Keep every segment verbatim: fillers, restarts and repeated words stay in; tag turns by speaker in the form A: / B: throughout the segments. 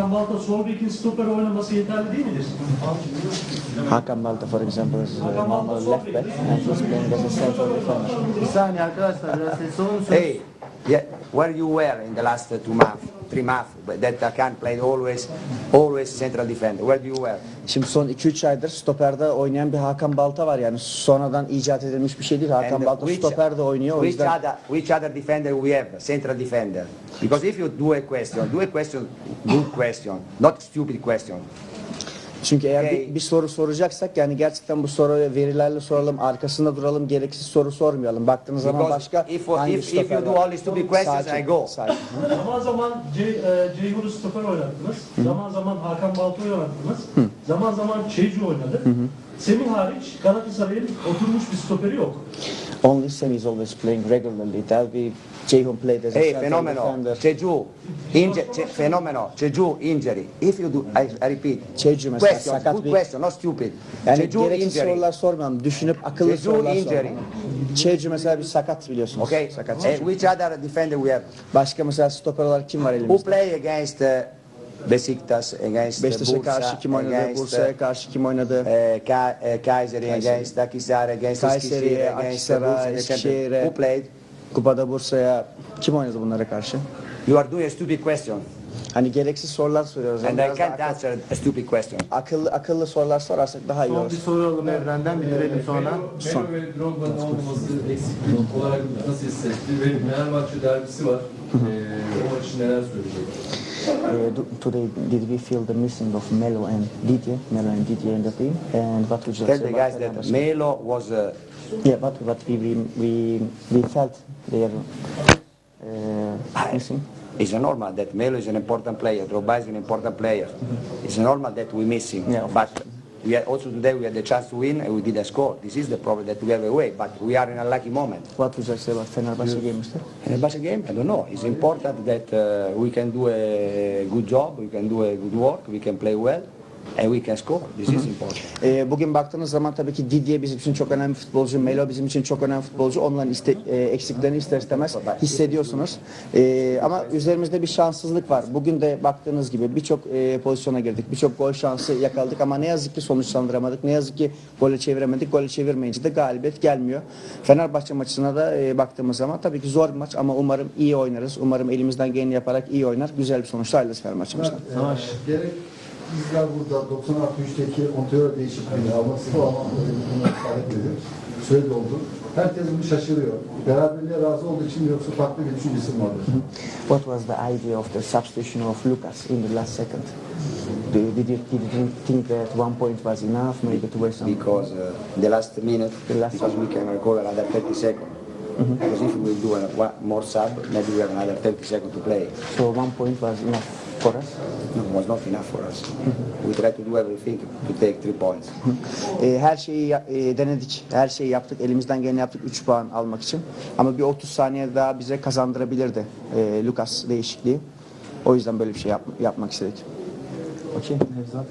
A: Hakan Balta sol bekin stoper oynaması yeterli değil midir?
B: Hakan Balta, for example, is uh, normal left back and he's playing as a central defender.
C: Bir saniye arkadaşlar, biraz sessiz olun.
D: Hey, yeah, where you were in the last two months, three months, that Hakan played always, always central defender. Where do you were?
B: Şimdi son iki üç aydır stoperde oynayan bir Hakan Balta var, yani sonradan icat edilmiş bir şey değil. Hakan
D: And
B: Balta
D: which-
B: stoperde oynuyor, o
D: Which
B: yüzden
D: other, which other defender we have? Central defender. Because if you do a question, do a question, good question, not stupid question.
B: çünkü eğer
D: Okay.
B: bir, bir soru soracaksak yani gerçekten bu soruyu verilerle soralım, arkasında duralım, gereksiz soru sormayalım. Baktığınız zaman
D: Because
B: başka
D: if,
B: hangi
D: if, if you
B: stoper
D: do
B: var?
D: only stupid questions,
B: Sakin,
D: I go.
B: sakin.
A: Zaman zaman C, e, Ceyhun'u stoper oynattınız. Zaman zaman Hakan Balta'yı oynattınız. Zaman zaman Çeycu oynadı. Semih hariç Galatasaray'ın oturmuş bir stoperi yok.
B: Only Semi is always playing regularly. Delvi, Ceyhun played as a
D: Hey,
B: central
D: phenomenal.
B: defender.
D: Jeju, inju- che- phenomenal. Jeju injury. If you do, I, I repeat.
B: Jeju mesela
D: Question,
B: sakat
D: good
B: bir-
D: question, not stupid.
B: Yani
D: Jeju
B: gereksiz
D: injury.
B: sorular sormayalım. Düşünüp akıllı
D: Jeju
B: sorular
D: injury.
B: soralım. Çeycu mesela bir sakat biliyorsunuz.
D: Okay.
B: Sakat.
D: And which other defender we have?
B: Başka mesela stoper olarak kim var
D: Who
B: elimizde?
D: play against uh, Besiktas, against uh,
B: Beşiktaş'a karşı
D: Bursa,
B: kim oynadı?
D: against
B: Bursa'ya karşı kim oynadı?
D: uh, Ka- uh, Kayseri, against Akhisar, against
B: Kayseri'ye,
D: Eskişehir, against uh,
B: Akhisar'a,
D: Bursa,
B: Eskişehir'e.
D: Who played?
B: Kupada Bursa'ya kim oynadı bunlara karşı?
D: You are doing a stupid question,
B: Hani gereksiz sorular soruyoruz.
D: and
B: Yani
D: I
B: biraz da
D: can't
B: akıl-
D: answer a stupid question.
B: akıllı akıllı sorular sorarsak daha iyi
C: Son
B: olur.
C: bir soru alalım Evren'den, bitirelim sonra.
E: Melo ve Drogba'nın olmaması eksiklik olarak nasıl hissetti? Ve Fenerbahçe derbisi var. Ee, o maçı neler söyleyecek?
B: Uh, do- today, did we feel the missing of Melo and Didier? Melo and Didier in the team. And what would you
D: Tell
B: say
D: the
B: about
D: guys that
B: Fenerbahçe?
D: Melo was uh,
B: Yeah, what what we we we, we felt they are uh, missing.
D: it's normal that Melo is an important player, Drogba is an important player. It's normal that we miss him,
B: Yeah, of
D: but we had, also today we had the chance to win and we didn't score. This is the problem that we have away, but we are in a lucky moment.
B: What would you say about Fenerbahçe game, mister?
D: In the basket game, I don't know. It's important that uh, we can do a good job, we can do a good work, we can play well, and we can score. This is important.
B: Ee, bugün baktığınız zaman tabii ki Didier bizim için çok önemli futbolcu, Melo bizim için çok önemli futbolcu. Onların iste, e, eksiklerini ister istemez hissediyorsunuz. Ee, ama üzerimizde bir şanssızlık var. Bugün de baktığınız gibi birçok e, pozisyona girdik, birçok gol şansı yakaladık ama ne yazık ki sonuçlandıramadık. Ne yazık ki gole çeviremedik. Gole çevirmeyince de galibiyet gelmiyor. Fenerbahçe maçına da e, baktığımız zaman tabii ki zor bir maç ama umarım iyi oynarız. Umarım elimizden geleni yaparak iyi oynar. Güzel bir sonuçla ayrılırız Fenerbahçe'mizden.
C: Savaş.
F: Gerek bizler burada doksan altı üçteki Ontario değişikliğini alması falan bunu ifade ediyor. Söyle oldu. Herkes bunu şaşırıyor. Beraberliğe razı olduğu için yoksa farklı bir düşüncesi mi vardır?
B: What was the idea of the substitution of Lucas in the last second? Do, did, you, did you think that one point was enough, maybe to waste some?
D: Because uh, the last minute,
B: The last
D: because we can recover another thirty seconds. Because if we do a, one more sub, maybe we have another thirty seconds to play.
B: So one point was enough for us.
D: No, it was not enough for us. We tried to do everything to take three points.
B: E, her şeyi ya- e, denedik, her şeyi yaptık, elimizden geleni yaptık üç puan almak için. Ama bir otuz saniye daha bize kazandırabilirdi e, Lucas değişikliği. O yüzden böyle bir şey yap, yapmak istedik. Okey.
C: Nevzat.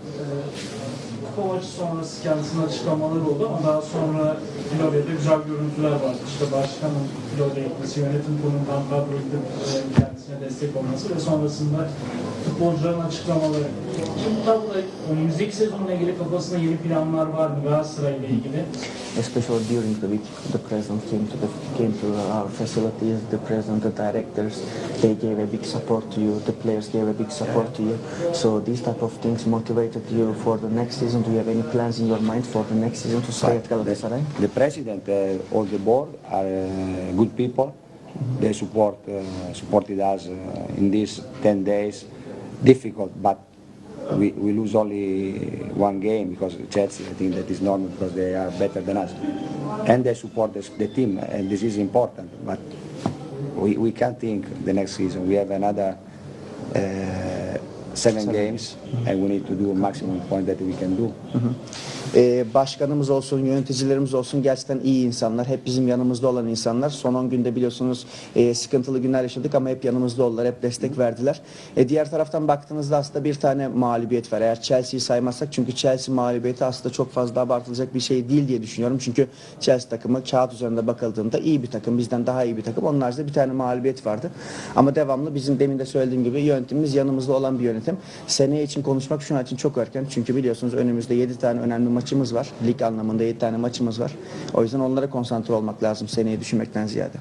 A: Kupa maçı sonrası kendisinin açıklamaları oldu ama daha sonra Florya'da güzel görüntüler vardı. İşte başkanın Florya'ya gitmesi, yönetim kurulundan kadroyla kendisine destek olması ve sonrasında futbolcuların açıklamaları. Şimdi tabii önümüzdeki sezonla ilgili kafasında yeni planlar var mı Galatasaray'la ilgili?
B: Especially during the week, the president came to the came to our facilities. The president, the directors, they gave a big support to you. The players gave a big support to you. So these type of things motivated you for the next season. Do you have any plans in your mind for the next season to stay at Galatasaray?
D: The president, uh, all the board are uh, good people. They support uh, supported us uh, in these ten days. Difficult, but we, we lose only one game because Chelsea, I think that is normal because they are better than us. And they support the, the team, and this is important. But we, we can't think the next season. We have another uh, seven games, and we need to do a maximum point that we can do.
B: Ee, başkanımız olsun, yöneticilerimiz olsun gerçekten iyi insanlar. Hep bizim yanımızda olan insanlar. Son on günde biliyorsunuz e, sıkıntılı günler yaşadık ama hep yanımızda oldular, hep destek verdiler. E, diğer taraftan baktığınızda aslında bir tane mağlubiyet var. Eğer Chelsea'yi saymazsak, çünkü Chelsea mağlubiyeti aslında çok fazla abartılacak bir şey değil diye düşünüyorum. Çünkü Chelsea takımı kağıt üzerinde bakıldığında iyi bir takım, bizden daha iyi bir takım. Onun haricinde bir tane mağlubiyet vardı. Ama devamlı bizim demin de söylediğim gibi yönetimimiz yanımızda olan bir yönetim. Seneye için konuşmak şu an için çok erken. Çünkü biliyorsunuz önümüzde yedi tane önemli maçımız var. Lig anlamında yedi tane maçımız var. O yüzden onlara konsantre olmak lazım seneyi düşünmekten ziyade.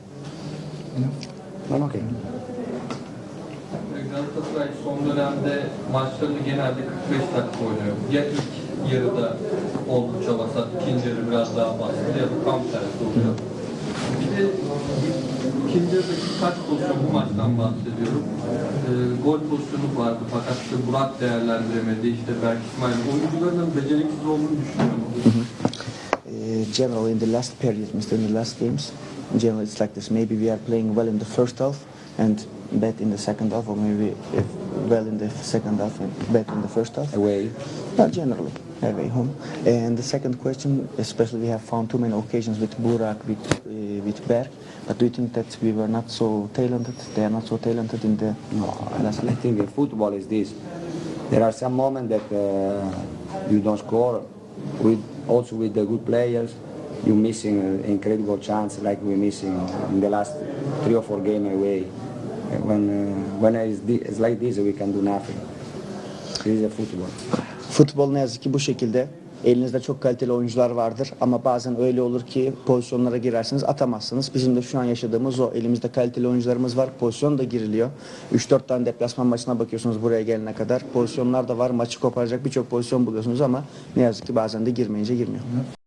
D: Well, okay.
E: Galatasaray son dönemde maçlarını genelde kırk beş dakika oynuyor. Ya ilk yarıda oldukça vasat, ikinci yarı biraz daha baskılı ya da tam tersi oluyor. Bir de ikinci yarıdaki kaç pozisyon, bu maçtan bahsediyorum. Ee, gol pozisyonu vardı fakat işte Burak değerlendiremedi, işte Berk İsmail. Oyuncuların beceriksiz olduğunu düşünüyor musunuz?
B: Uh, generally in the last period, Mister in the last games, generally it's like this. Maybe we are playing well in the first half and bad in the second half, or maybe if well in the second half and bad in the first half.
D: Away.
B: Not generally, away home. And the second question, especially we have found too many occasions with Burak, with uh, with Berk. But do you think that we were not so talented? They are not so talented in the
D: No,
B: last
D: I
B: leg?
D: think in football is this. There are some moments that uh, you don't score. With also with the good players, you're missing an incredible chance like we're missing in the last three or four games away. When uh, when it's, thi- it's like this, we can do nothing. This is a football.
B: Futbol ne yazık ki bu şekilde. Elinizde çok kaliteli oyuncular vardır ama bazen öyle olur ki pozisyonlara girersiniz, atamazsınız. Bizim de şu an yaşadığımız o. Elimizde kaliteli oyuncularımız var, pozisyon da giriliyor. üç dört tane deplasman maçına bakıyorsunuz buraya gelene kadar. Pozisyonlar da var, maçı koparacak birçok pozisyon buluyorsunuz ama ne yazık ki bazen de girmeyince girmiyor.